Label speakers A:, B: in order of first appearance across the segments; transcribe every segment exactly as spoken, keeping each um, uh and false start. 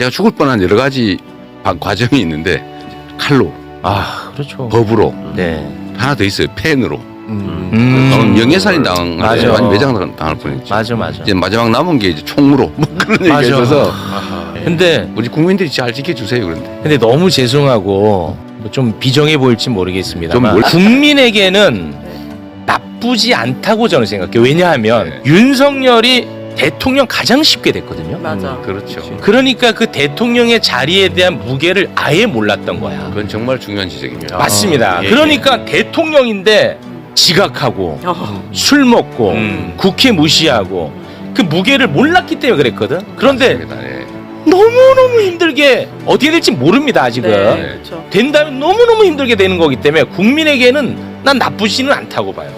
A: 제가 죽을 뻔한 여러 가지 과정이 있는데 칼로,
B: 아 그렇죠.
A: 법으로,
B: 네.
A: 하나 더 있어요. 펜으로.
B: 음.
A: 음. 명예살인 당한
B: 맞아.
A: 완전 매장 당할 뻔했죠.
B: 맞아 맞아.
A: 이제 마지막 남은 게 이제 총무로 뭐 그런 얘기가
B: 맞아.
A: 있어서
C: 아하.
B: 근데
A: 우리 국민들이 잘 지켜주세요. 그런데
B: 근데 너무 죄송하고 뭐좀 비정해 보일지 모르겠습니다만
A: 좀 뭘-
B: 국민에게는 나쁘지 않다고 저는 생각해요. 왜냐하면
A: 네.
B: 윤석열이 대통령 가장 쉽게 됐거든요.
D: 맞아.
A: 그렇죠.
B: 그러니까 그 대통령의 자리에 대한 무게를 아예 몰랐던 거야.
A: 그건 정말 중요한 지적입니다.
B: 맞습니다.
C: 예,
B: 그러니까 대통령인데 지각하고
D: 어.
B: 술 먹고
C: 음.
B: 국회 무시하고 그 무게를 몰랐기 때문에 그랬거든. 그런데
A: 맞습니다. 예.
B: 너무너무 힘들게 어떻게 될지 모릅니다 아직은.
D: 네, 그렇죠.
B: 된다면 너무너무 힘들게 되는 거기 때문에 국민에게는 난 나쁘지는 않다고 봐요.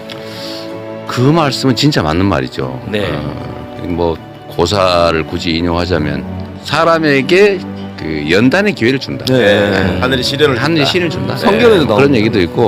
A: 그 말씀은 진짜 맞는 말이죠.
B: 네.
A: 어, 뭐 고사를 굳이 인용하자면 사람에게 그 연단의 기회를 준다.
C: 네. 하늘이 시련을
A: 하늘이
C: 준다.
A: 신을 준다.
C: 성경에도
A: 네.
C: 나오는
A: 그런 얘기도 있고.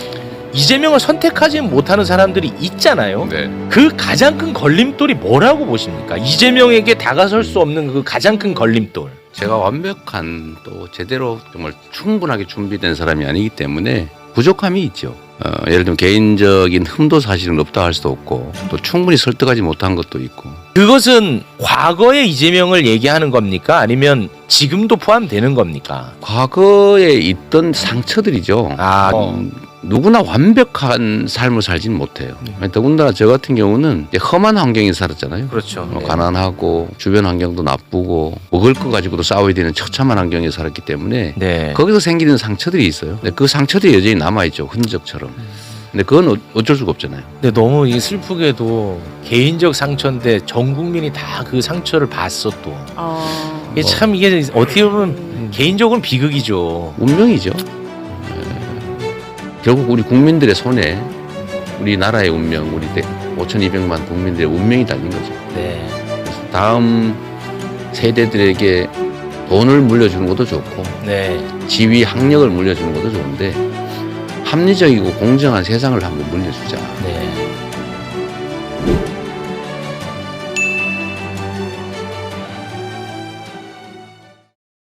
B: 이재명을 선택하지 못하는 사람들이 있잖아요.
A: 네.
B: 그 가장 큰 걸림돌이 뭐라고 보십니까? 이재명에게 다가설 수 없는 그 가장 큰 걸림돌.
A: 제가 완벽한 또 제대로 정말 충분하게 준비된 사람이 아니기 때문에 부족함이 있죠. 어, 예를 들면 개인적인 흠도 사실은 없다 할 수도 없고 또 충분히 설득하지 못한 것도 있고.
B: 그것은 과거의 이재명을 얘기하는 겁니까? 아니면 지금도 포함되는 겁니까?
A: 과거에 있던 상처들이죠.
B: 아,
A: 음, 누구나 완벽한 삶을 살지는 못해요. 더군다나 저 같은 경우는 이제 험한 환경에 살았잖아요.
C: 그렇죠.
A: 뭐 가난하고 주변 환경도 나쁘고 먹을 거 가지고도 싸워야 되는 처참한 환경에 살았기 때문에
B: 네.
A: 거기서 생기는 상처들이 있어요. 근데 그 상처들이 여전히 남아있죠. 흔적처럼. 근데 그건 어- 어쩔 수가 없잖아요.
B: 근데 너무 이게 슬프게도 개인적 상처인데 전 국민이 다 그 상처를 봤어 또.
D: 어.
B: 이게 참 이게 어떻게 보면 개인적으로는 비극이죠.
A: 운명이죠. 예. 결국 우리 국민들의 손에 우리나라의 운명, 우리 오천이백만 국민들의 운명이 달린 거죠.
B: 네.
A: 그래서 다음 세대들에게 돈을 물려주는 것도 좋고
B: 네.
A: 지위, 학력을 물려주는 것도 좋은데 합리적이고 공정한 세상을 한번 물려주자.
B: 네.